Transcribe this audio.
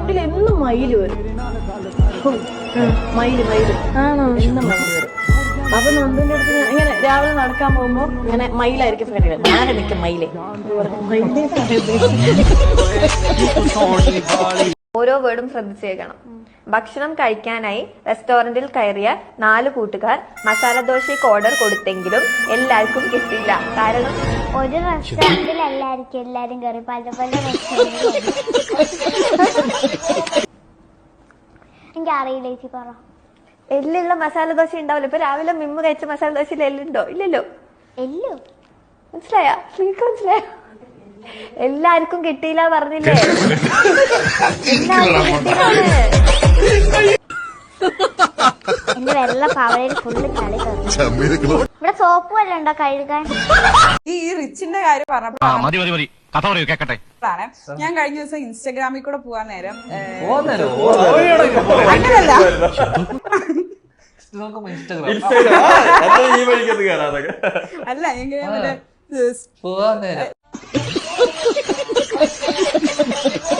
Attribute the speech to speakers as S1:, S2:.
S1: റോട്ടിൽ എന്നും മയില് വരും. മയില് ആണോ? എന്നും മയില് വരും. അപ്പൊ നന്ദുവിന്റെ അടുത്ത് ഇങ്ങനെ രാവിലെ നടക്കാൻ പോകുമ്പോ ഇങ്ങനെ മയിലായിരിക്കും ഫ്രണ്ടില്. ഞാൻ നിൽക്കും മയിലേ.
S2: ഓരോ വേർഡും ശ്രദ്ധിച്ചേക്കണം. ഭക്ഷണം കഴിക്കാനായി റെസ്റ്റോറന്റിൽ കയറിയ 4 കൂട്ടുകാർ മസാല ദോശയ്ക്ക് ഓർഡർ കൊടുത്തെങ്കിലും എല്ലാവർക്കും കിട്ടിയില്ല. കാരണം
S3: ഒരു റെസ്റ്റോറന്റിൽ എല്ലാരും കയറി പല പല റെസ്റ്റോറന്റിൽ. എനിക്ക് അറിയില്ല ചേച്ചി, പറ.
S2: എല്ലുള്ള മസാല ദോശ ഉണ്ടാവില്ല. ഇപ്പൊ രാവിലെ മിമ്മ് കഴിച്ച മസാല ദോശയിൽ എല്ലുണ്ടോ? ഇല്ലല്ലോ.
S3: എല്ലോ
S2: മനസ്സിലായോ? നിങ്ങൾക്ക് മനസ്സിലായോ? എല്ലാവർക്കും കിട്ടിയില്ല പറഞ്ഞില്ലേ?
S3: എന്റെ വെള്ള പാവയിൽ ഫുള്ള് കളി കയറി. ഇവിടെ സോപ്പ് വല്ല ഉണ്ടോ കഴുകാൻ?
S4: ഈ റിച്ചിന്റെ കാര്യം പറഞ്ഞപ്പോഴാണ് ഞാൻ കഴിഞ്ഞ ദിവസം ഇൻസ്റ്റാഗ്രാമിൽ കൂടെ പോവാൻ നേരം അങ്ങനല്ല, അല്ല എങ്ങനെ